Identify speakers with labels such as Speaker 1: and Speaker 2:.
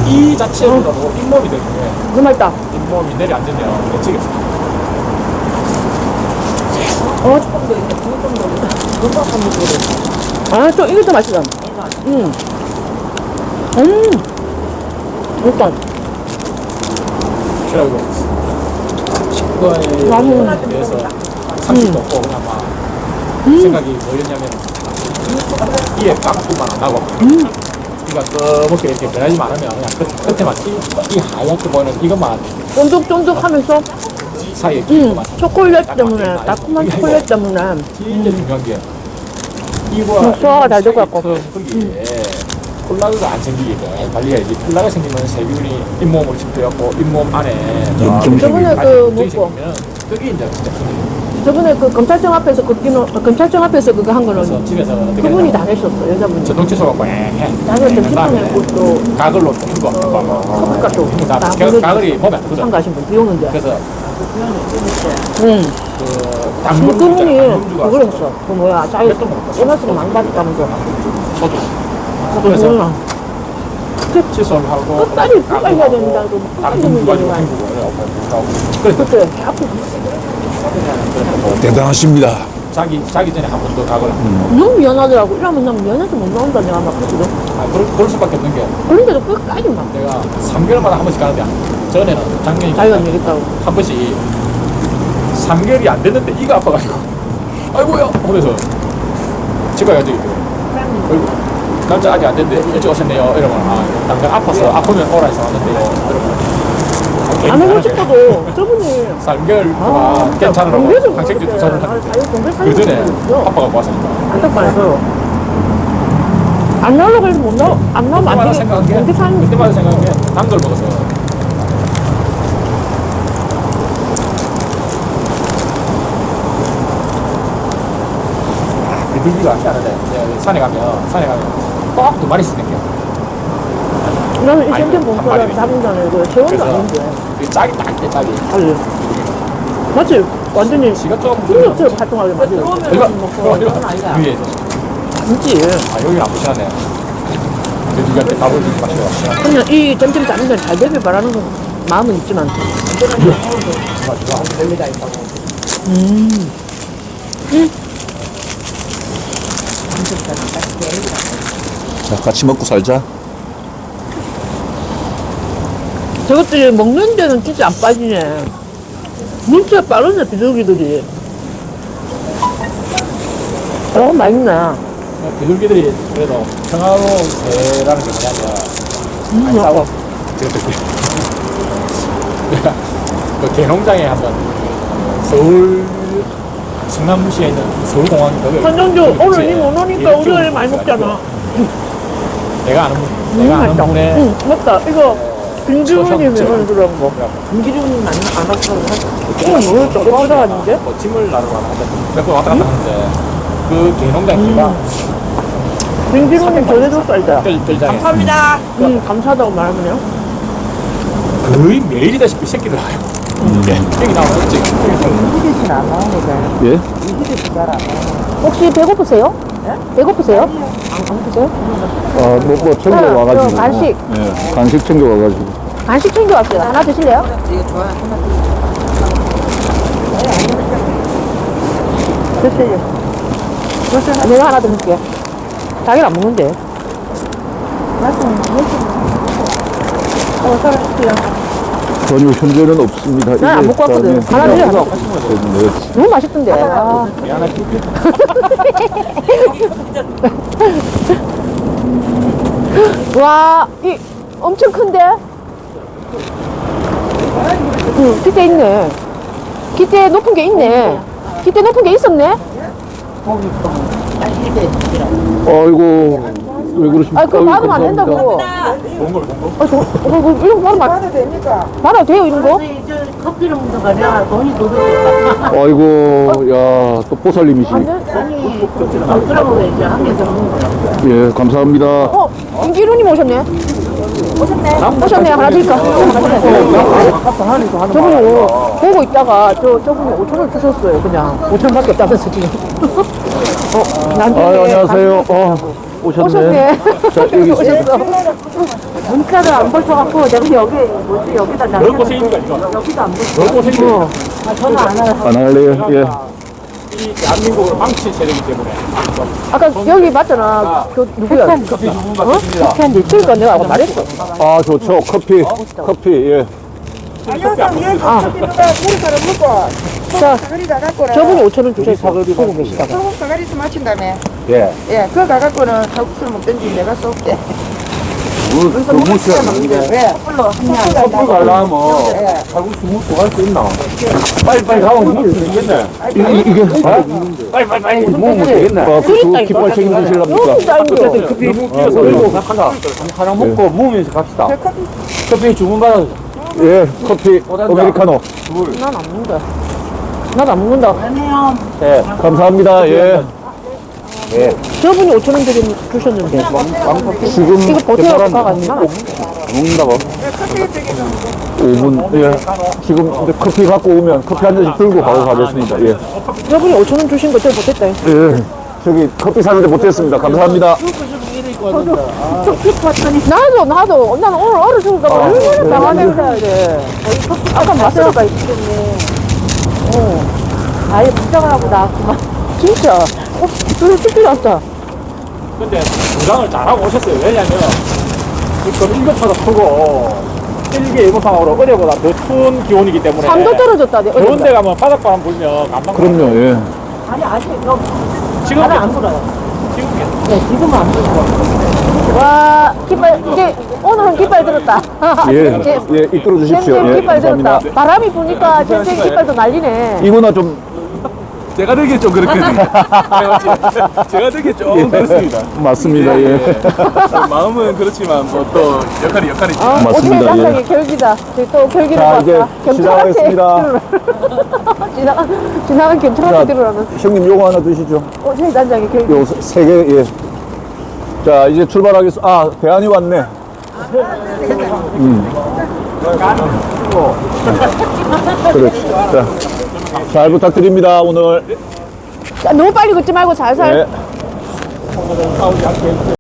Speaker 1: 이 자체보다도 잇몸이 되는 게
Speaker 2: 너무 맛있다.
Speaker 1: 잇몸이 내려앉으면 미치겠어.
Speaker 2: 조금 더 있네. 조금 더 있네. 금방 한번 더. 아, 또 이것도 맛있다. 일단.
Speaker 1: 그리고 식구에 대해서 상식도 없고 그냥 막 생각이 뭐였냐면 이에 깍두만 안 하고 이가 검게 이렇게 변하지 않으면 그냥 끝에만 이 하얗게 보이는 이것만
Speaker 2: 쫀득쫀득하면서
Speaker 1: 사이에 끼고만
Speaker 2: 초콜릿 때문에, 달콤한 초콜릿 때문에
Speaker 1: 진짜 중요한 게 이거와
Speaker 2: 소화가 잘 될 것 같고.
Speaker 1: 거기에 콜라겐가 안 생기게 관리해야지. 콜라가 생기면 세균이 잇몸으로 침투해갖고 잇몸 안에
Speaker 2: 저번에 그 먹고
Speaker 1: 생기면 그게 이제 진짜 큰일이에요.
Speaker 2: 저번에 그 검찰청 앞에서 검찰청 앞에서 그거 한
Speaker 1: 그래서
Speaker 2: 거는
Speaker 1: 집에서 어떻게
Speaker 2: 그분이 다 했었어, 여자분이.
Speaker 1: 전동 칫솔 해.
Speaker 2: 나는 점심통에 또
Speaker 1: 가글로 흰거
Speaker 2: 커피가 또 다
Speaker 1: 가글이 몸에 안 들어가.
Speaker 2: 참가하신 분, 비 오는데.
Speaker 1: 그래서
Speaker 2: 그
Speaker 1: 당근
Speaker 2: 그분이
Speaker 1: 당근주가
Speaker 2: 그걸 했어. 그 뭐야, 자기 보너스를 많이 받았다면서.
Speaker 1: 저도
Speaker 2: 그래서 몰라.
Speaker 1: 칫솔하고
Speaker 2: 끝까지 해야 된다.
Speaker 1: 당근 가지고 헹구고 그래서
Speaker 2: 그때 앞에
Speaker 3: 대단하십니다.
Speaker 1: 자기 전에 한 번 더 가거나
Speaker 2: 너무 미안하더라고. 이러면 난 미안해서 못 나온다 내가 막 그랬거든.
Speaker 1: 그럴 수밖에 없는 게
Speaker 2: 그런데도 끝까지 막
Speaker 1: 내가 3개월마다 한 번씩 가는데 전에는 작년에
Speaker 2: 자기가 얘기했다고.
Speaker 1: 한 번씩 3개월이 안 됐는데 이가 아파가지고 아이고야 하면서 집에 가야지 아이고 남자 아직 안 됐는데 일찍 오셨네요 이러면 당장 아파서 아프면 오라 해서 왔는데요 이러면
Speaker 2: 안 하고 싶어도 저분이
Speaker 1: 3개월 동안 괜찮으라고 항생제 주사를 했는데 그 전에 아빠가 왔으니까
Speaker 2: 안타까워서 안 나오려고 해서 안 나오면 안
Speaker 1: 그때마다
Speaker 2: 되겠다.
Speaker 1: 생각한 게
Speaker 2: 공대 사는
Speaker 1: 그때마다 생각한 게 단 걸 먹어서 비둘기가 안 나는데 산에 가면 꼭 두 마리씩 생겨.
Speaker 2: 나는 이
Speaker 1: 아니,
Speaker 2: 생전
Speaker 1: 한
Speaker 2: 봉투를
Speaker 1: 마리를.
Speaker 2: 잡은 전에 그 세원도
Speaker 1: 그래서
Speaker 2: 아닌데.
Speaker 1: 그 짝이 딱대 짝이.
Speaker 2: 알지? 맞지? 완전히
Speaker 1: 지가 조금
Speaker 2: 풍력처럼 활동하게 만들어.
Speaker 1: 위에
Speaker 2: 진지.
Speaker 1: 여기는 안 보시네. 비둘기한테 밥을 주지 마시고.
Speaker 2: 그냥 이 점점 잡는 데잘 되길 바라는 건 마음은 있지만.
Speaker 3: 자, 같이 먹고 살자.
Speaker 2: 저것들이 먹는 데는 진짜 안 빠지네. 눈치가 빠르네, 비둘기들이. 맛있네.
Speaker 1: 비둘기들이 그래도 평화로운 새라는 게 뭐냐면 많이 싸워. 저것들이. 내가 그 개농장에 한번 서울 성남시에 있는 서울공항 거기
Speaker 2: 선정주,
Speaker 1: 거기
Speaker 2: 오늘
Speaker 1: 근처에
Speaker 2: 니 못 오니까
Speaker 1: 일주일
Speaker 2: 우리 많이 먹잖아.
Speaker 1: 내가 아는 분에
Speaker 2: 응, 맞다. 이거 김기훈이
Speaker 1: 저-
Speaker 2: 매번 그런 거. 김기훈이 안 하고 이거 뭐였어? 이거 아닌데?
Speaker 1: 뭐 짐을 나르러 가는데 몇 번 왔다 갔다 하는데 그 개농장기가
Speaker 2: 김기훈이 전해줬어, 이제.
Speaker 1: 뜰장에
Speaker 4: 감사합니다.
Speaker 2: 감사하다고 말하면요.
Speaker 1: 거의 매일이다시피 새끼들 와요. 여기 나오면 없지.
Speaker 4: 이기듯이 안 나오니까.
Speaker 3: 예?
Speaker 4: 이기듯이 잘 안 나오니까.
Speaker 2: 혹시 배고프세요? 배고프세요? 안 배고프세요?
Speaker 3: 뭐 챙겨 와가지고.
Speaker 2: 간식.
Speaker 3: 예, 간식 챙겨 와가지고.
Speaker 2: 간식 챙겨왔어요. 하나 드실래요?
Speaker 4: 이거 좋아. 하나
Speaker 2: 드세요. 내가 하나 드릴게요. 자기는 안 먹는데.
Speaker 3: 전혀 현재는 없습니다.
Speaker 2: 난안 먹고 왔거든. 하나 드려, 하나.
Speaker 3: 네.
Speaker 2: 너무 맛있던데.
Speaker 1: 미안하지.
Speaker 2: 와, 이 엄청 큰데? 응, 기대 있네. 기대 높은 게 있네. 기대 높은 게 있었네?
Speaker 3: 아이고, 왜 그러십니까?
Speaker 2: 아, 그거
Speaker 3: 아이고,
Speaker 2: 받으면 안 된다고.
Speaker 1: 좋은 걸
Speaker 2: 이런 거 받으면
Speaker 4: 됩니까?
Speaker 2: 받아도 돼요, 이런 거?
Speaker 4: 커피를 먹는 거냐? 돈이 더 들어가.
Speaker 3: 아이고, 야, 또 보살님이시.
Speaker 2: 안 돼?
Speaker 4: 돈이 더 들어가고 이제 한 개 더 먹는 거야.
Speaker 3: 예, 감사합니다.
Speaker 2: 김기루님 오셨네. 오셨네. 하나 드릴까? 저분이 보고 있다가 저분이 5,000원 주셨어요. 그냥 5,000원밖에 없다면서 지금. 나한테
Speaker 3: 안녕하세요. 오셨네.
Speaker 2: 오셨네.
Speaker 3: 자, 여기
Speaker 2: 오셨어.
Speaker 4: 문자를 안 보셔갖고 내가 여기 뭐지 여기다
Speaker 1: 널 고생입니까 이거?
Speaker 4: 여기도 안 보셔.
Speaker 1: 널 고생이에요.
Speaker 4: 아 저는 안 알아요.
Speaker 3: 안 할래요? 예.
Speaker 1: 이 대한민국을 망친 세력이기 때문에
Speaker 2: 아까 여기 맞잖아. 그 누구야?
Speaker 1: 커피 주문 받겠습니다.
Speaker 2: 그러니까 내가 아까 말했어.
Speaker 3: 아, 좋죠. 커피. 커피, 예.
Speaker 2: 자,
Speaker 5: 사거리 가갖고는
Speaker 2: 저분이 5,000원 주셨어. 보고 계시다가.
Speaker 5: 소금 사거리에서 마친다며.
Speaker 3: 예.
Speaker 5: 예, 그거 가갖고는 칼국수를 먹든지 내가 쏠게. 그래서
Speaker 3: 너무
Speaker 5: 먹으면 먹는데 왜?
Speaker 1: 커피 가려면
Speaker 5: 예.
Speaker 1: 칼국수 먹고 갈 수 있나? 빨리 가면 먹을 수 있겠네.
Speaker 3: 이게,
Speaker 1: 빨리 먹으면 되겠네.
Speaker 3: 그 깃발 책임지실랍니까?
Speaker 2: 여기 쌓인 거.
Speaker 1: 커피 너무 끼어서 들고 갑시다. 하나 먹고 먹으면서 갑시다. 커피 주문 받아.
Speaker 3: 예, 커피, 아메리카노.
Speaker 2: 난 안 먹는다. 난 안 먹는다.
Speaker 3: 예, 감사합니다. 예. 예.
Speaker 2: 저분이 5,000원 주셨는데.
Speaker 3: 지금
Speaker 2: 이거 버텨갖고 가가지고.
Speaker 3: 먹는다고? 5분. 예. 지금 이제 커피 갖고 오면 커피 한 잔씩 들고 가고 가겠습니다. 예.
Speaker 2: 저분이 5,000원 주신 거 제일 못했다.
Speaker 3: 예. 저기 커피 사는데 못했습니다. 감사합니다.
Speaker 2: 나도. 나는 오늘 얼어 죽을까 봐 얼마나 당황해야 돼. 아까 마스터가 있겠네.
Speaker 4: 아예 부정을 하고 나왔구만.
Speaker 2: 진짜. 그래서 춥지 않다.
Speaker 1: 근데 부장을 잘하고 오셨어요. 왜냐면 지금 일교차도 크고 일개 일본상으로 어제보다 더 추운 기온이기 때문에
Speaker 2: 3도 떨어졌다. 내
Speaker 1: 더운
Speaker 2: 어제.
Speaker 1: 데 가면 바닷바람 불면 감당.
Speaker 3: 그럼요, 예.
Speaker 4: 아니 아직 너
Speaker 1: 지금
Speaker 4: 나는 안 불어요.
Speaker 1: 지금
Speaker 4: 네 지금은 안 불어.
Speaker 2: 와, 깃발, 이제 오늘은 깃발 들었다.
Speaker 3: 예,
Speaker 2: 이제
Speaker 3: 예, 이끌어 주십시오.
Speaker 2: 잼잼
Speaker 3: 예,
Speaker 2: 깃발 들었다.
Speaker 3: 감사합니다.
Speaker 2: 바람이 부니까 잼잼 깃발도 난리네.
Speaker 3: 이거나 좀,
Speaker 1: 제가 되게 좀 그렇거든요. 제가 되게 좀 그렇습니다.
Speaker 3: 맞습니다. 예.
Speaker 1: 마음은 그렇지만 뭐 또 역할이죠.
Speaker 3: 맞습니다,
Speaker 2: 어떻게
Speaker 3: 예.
Speaker 2: 단장이 결기다. 저기 또 결기를
Speaker 3: 자, 이제
Speaker 2: 봤다. 경찰한테
Speaker 3: 시작하겠습니다.
Speaker 2: 지나간 경찰한테
Speaker 3: 자,
Speaker 2: 들으라면.
Speaker 3: 형님 요거 하나 드시죠.
Speaker 2: 저기 단장이 결기.
Speaker 3: 요 세 개, 예. 자, 이제 출발하겠습니다. 아, 대안이 왔네. 그렇지. 자, 잘 부탁드립니다, 오늘.
Speaker 2: 자, 너무 빨리 걷지 말고 살살.
Speaker 3: 네.